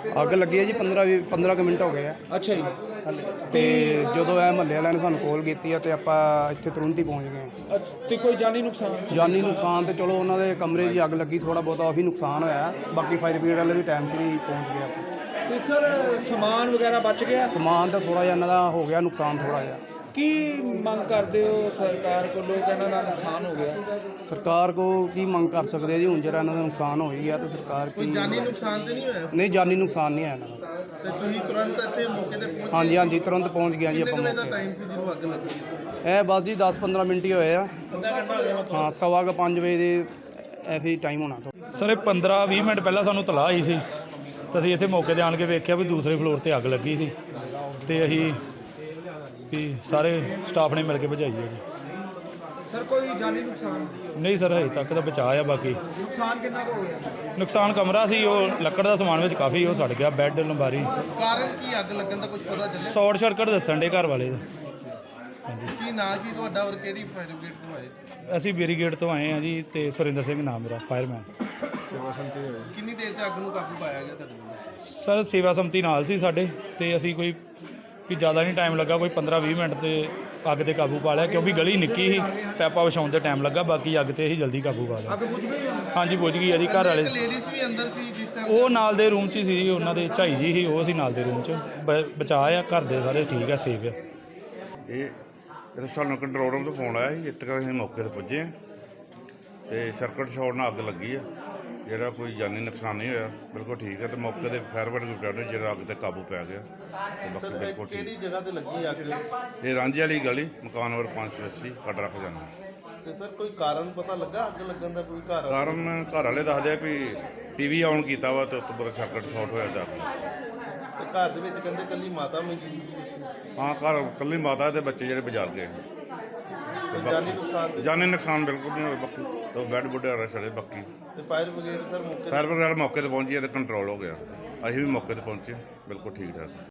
ਅੱਗ ਲੱਗੀ ਹੈ ਜੀ 15 ਕੁ ਮਿੰਟ ਹੋ ਗਏ ਆ। ਅੱਛਾ ਜੀ। ਤੇ ਜਦੋਂ ਇਹ ਮਹੱਲੇ ਵਾਲਿਆਂ ਨੇ ਸਾਨੂੰ ਕਾਲ ਕੀਤੀ ਆ ਤੇ ਆਪਾਂ ਇੱਥੇ ਤੁਰੰਤ ਹੀ ਪਹੁੰਚ ਗਏ। ਤੇ ਕੋਈ ਜਾਨੀ ਨੁਕਸਾਨ? ਜਾਨੀ ਨੁਕਸਾਨ ਤੇ ਚਲੋ ਉਹਨਾਂ ਦੇ ਕਮਰੇ 'ਚ ਅੱਗ ਲੱਗੀ, ਥੋੜਾ ਬਹੁਤਾ ਉਹੀ ਨੁਕਸਾਨ ਹੋਇਆ, ਬਾਕੀ ਫਾਇਰ ਬ੍ਰਿਗੇਡ ਵਾਲੇ ਵੀ ਟਾਈਮ ਸਿਰ ਹੀ ਪਹੁੰਚ ਗਏ ਆਪਾਂ। ਤੇ ਸਰ ਸਮਾਨ ਵਗੈਰਾ ਬਚ ਗਿਆ? ਸਮਾਨ ਤਾਂ ਥੋੜਾ ਜਿਹਾ ਇਹਨਾਂ ਦਾ ਹੋ ਗਿਆ ਨੁਕਸਾਨ ਥੋੜਾ ਜਿਹਾ। ਕੀ ਮੰਗ ਕਰਦੇ ਹੋ ਸਰਕਾਰ ਕੋਲੋਂ? ਇਹਨਾਂ ਦਾ ਨੁਕਸਾਨ ਹੋ ਗਿਆ। ਸਰਕਾਰ ਕੋ ਕੀ ਮੰਗ ਕਰ ਸਕਦੇ ਆ ਜੀ? ਹੁਣ ਜਿਹੜਾ ਇਹਨਾਂ ਦਾ ਨੁਕਸਾਨ ਹੋ ਹੀ ਗਿਆ ਤੇ ਸਰਕਾਰ ਕੀ ਜਾਨੀ ਨੁਕਸਾਨ ਤੇ ਨਹੀਂ ਹੋਇਆ? ਨਹੀਂ, ਜਾਨੀ ਨੁਕਸਾਨ ਨਹੀਂ ਆਇਆ ਇਹਨਾਂ ਦਾ। ਤੇ ਤੁਸੀਂ ਤੁਰੰਤ ਇੱਥੇ ਮੌਕੇ ਤੇ ਪਹੁੰਚ? ਹਾਂਜੀ ਤੁਰੰਤ ਪਹੁੰਚ ਗਿਆ ਜੀ ਆਪਾਂ। ਕਿੰਨੇ ਦਾ ਟਾਈਮ ਸੀ ਜਦੋਂ ਅੱਗ ਲੱਗੀ? ਇਹ ਬਸ ਜੀ 10-15 ਮਿੰਟ ਹੀ ਹੋਏ ਆ। ਹਾਂ, 4:15 ਵਜੇ ਦੇ ਐਫੀ ਟਾਈਮ ਹੋਣਾ। ਸਰ ਇਹ 15-20 ਮਿੰਟ ਪਹਿਲਾਂ ਸਾਨੂੰ ਤਲਾਹ ਆਈ ਸੀ ਤਾਂ ਅਸੀਂ ਇੱਥੇ ਮੌਕੇ 'ਤੇ ਆਣ ਕੇ ਵੇਖਿਆ ਵੀ ਦੂਸਰੇ ਫਲੋਰ 'ਤੇ ਅੱਗ ਲੱਗੀ ਸੀ ਤੇ ਅਸੀਂ ਵੀ ਸਾਰੇ ਸਟਾਫ ਨੇ ਮਿਲ ਕੇ ਬੁਝਾਈ ਹੈ ਜੀ। ਸਰ ਕੋਈ ਜਾਨੀ ਨੁਕਸਾਨ? ਨਹੀਂ ਸਰ, ਹਜੇ ਤੱਕ ਤਾਂ ਬਚਾਅ ਆ। ਬਾਕੀ ਨੁਕਸਾਨ ਕਿੰਨਾ ਕੁ ਹੋ ਗਿਆ? ਨੁਕਸਾਨ ਕਮਰਾ ਸੀ, ਉਹ ਲੱਕੜ ਦਾ ਸਮਾਨ ਵਿੱਚ ਕਾਫੀ ਉਹ ਸੜ ਗਿਆ, ਬੈੱਡ, ਅਲਮਾਰੀ। ਕਾਰਨ ਕੀ ਅੱਗ ਲੱਗਣ ਦਾ ਕੁਝ ਪਤਾ ਚੱਲਿਆ? ਸ਼ਾਰਟ ਸਰਕਟ ਦੱਸਣ ਦੇ ਘਰ ਵਾਲੇ ਦਾ। ਕੀ ਨਾਂ ਕੀ ਤੁਹਾਡਾ ਔਰ ਕਿਹੜੀ ਫਾਇਰ ਬ੍ਰਿਗੇਡ ਤੋਂ ਆਏ? ਅਸੀਂ ਬੇਰੀਗੇਟ ਤੋਂ ਆਏ ਹਾਂ ਜੀ ਤੇ ਸੁਰਿੰਦਰ ਸਿੰਘ ਨਾਮ ਮੇਰਾ, ਫਾਇਰਮੈਨ। ਕਿੰਨੀ ਦੇਰ 'ਚ ਅੱਗ ਨੂੰ ਕਾਬੂ ਪਾਇਆ ਗਿਆ ਤੁਹਾਡੇ ਵੱਲੋਂ? ਸਰ ਸੇਵਾ ਸੰਮਤੀ ਨਾਲ ਸੀ ਸਾਡੇ ਤੇ ਅਸੀਂ ਕੋਈ ਵੀ ਜ਼ਿਆਦਾ ਨਹੀਂ ਟਾਈਮ ਲੱਗਾ, ਕੋਈ 15-20 ਮਿੰਟ ਤੇ ਅੱਗ ਤੇ ਕਾਬੂ ਪਾ ਲਿਆ, ਕਿਉਂਕਿ ਗਲੀ ਨਿੱਕੀ ਸੀ, ਪੈਪਾ ਵਿਛਾਉਣ ਤੇ ਟਾਈਮ ਲੱਗਾ, ਬਾਕੀ ਅੱਗ ਤੇ ਹੀ ਜਲਦੀ ਕਾਬੂ ਪਾ ਲਿਆ। ਅੱਗ ਬੁਝ ਗਈ? ਹਾਂਜੀ ਬੁਝ ਗਈ ਆ ਜੀ। ਘਰ ਵਾਲੇ ਲੇਡੀਜ਼ ਵੀ ਅੰਦਰ ਸੀ ਜਿਸ ਟਾਈਮ? ਉਹ ਨਾਲ ਦੇ ਰੂਮ 'ਚ ਹੀ ਸੀ ਜੀ, ਉਹਨਾਂ ਦੇ ਝਾਈ ਜੀ ਸੀ, ਉਹ ਸੀ ਨਾਲ ਦੇ ਰੂਮ 'ਚ। ਬਚਾਅ ਆ, ਘਰ ਦੇ ਸਾਰੇ ਠੀਕ ਆ, ਸੇਫ ਆ। ਇਹ ਸਾਨੂੰ ਕੰਟਰੋਲ ਰੂਮ ਤੋਂ ਫੋਨ ਆਇਆ ਸੀ, ਇੱਥੇ ਤੱਕ ਅਸੀਂ ਮੌਕੇ 'ਤੇ ਪੁੱਜੇ ਹਾਂ ਤੇ ਸਰਕਟ ਸ਼ਾਰਟ ਨਾਲ ਅੱਗ ਲੱਗੀ ਆ, ਜਿਹੜਾ ਕੋਈ ਜਾਨੀ ਨੁਕਸਾਨ ਨਹੀਂ ਹੋਇਆ, ਬਿਲਕੁਲ ਠੀਕ ਹੈ। ਤੇ ਮੌਕੇ 'ਤੇ ਫਾਇਰ ਬ੍ਰਿਗੇਡ ਨੇ ਜਿਹੜਾ ਅੱਗ ਤੇ ਕਾਬੂ ਪੈ ਗਿਆ ਤੇ ਬਾਕੀ ਬਿਲਕੁਲ ਕਿਹੜੀ ਠੀਕ। ਜਗ੍ਹਾ ਤੇ ਲੱਗੀ ਅੱਗ? ਇਹ ਰਾਂਝੇ ਵਾਲੀ ਗਲੀ, ਮਕਾਨ ਨੰਬਰ 580, ਕੱਟ ਰੱਖ ਜਾਣਾ। ਤੇ ਸਰ ਕੋਈ ਕਾਰਨ ਪਤਾ ਲੱਗਾ ਅੱਗ ਲੱਗਣ ਦਾ? ਕੋਈ ਘਰ ਕਾਰਨ ਘਰ ਵਾਲੇ ਦੱਸਦੇ ਆ ਵੀ ਟੀਵੀ ਆਨ ਕੀਤਾ ਵਾ ਤੇ ਉੱਤੋਂ ਬਾਅਦ ਸਰਕਟ ਸ਼ਾਰਟ ਹੋਇਆ ਜਾ ਕੇ। ਤੇ ਘਰ ਦੇ ਵਿੱਚ ਕਹਿੰਦੇ ਕੱਲੀ ਮਾਤਾ ਮੌਜੂਦ ਸੀ? ਹਾਂ, ਘਰ ਇਕੱਲੀ ਮਾਤਾ ਤੇ ਬੱਚੇ ਜਿਹੜੇ ਬਾਜ਼ਾਰ ਗਏ। ਕੋਈ ਜਾਨੀ ਨੁਕਸਾਨ ਤੇ? ਜਾਨੀ ਨੁਕਸਾਨ ਬਿਲਕੁਲ ਨਹੀਂ ਹੋਇਆ, ਬਾਕੀ ਤੇ ਬੈੱਡ ਬੁੱਡ ਰਸੜੇ ਬਾਕੀ। ਤੇ ਫਾਇਰ ਬ੍ਰਿਗੇਡ ਸਰ ਮੌਕੇ ਫਾਇਰ ਬ੍ਰਿਗੇਡ ਮੌਕੇ 'ਤੇ ਪਹੁੰਚੀ ਹੈ ਤੇ ਕੰਟਰੋਲ ਹੋ ਗਿਆ। ਅਸੀਂ ਵੀ ਮੌਕੇ 'ਤੇ ਪਹੁੰਚੇ, ਬਿਲਕੁਲ ਠੀਕ ਠਾਕ।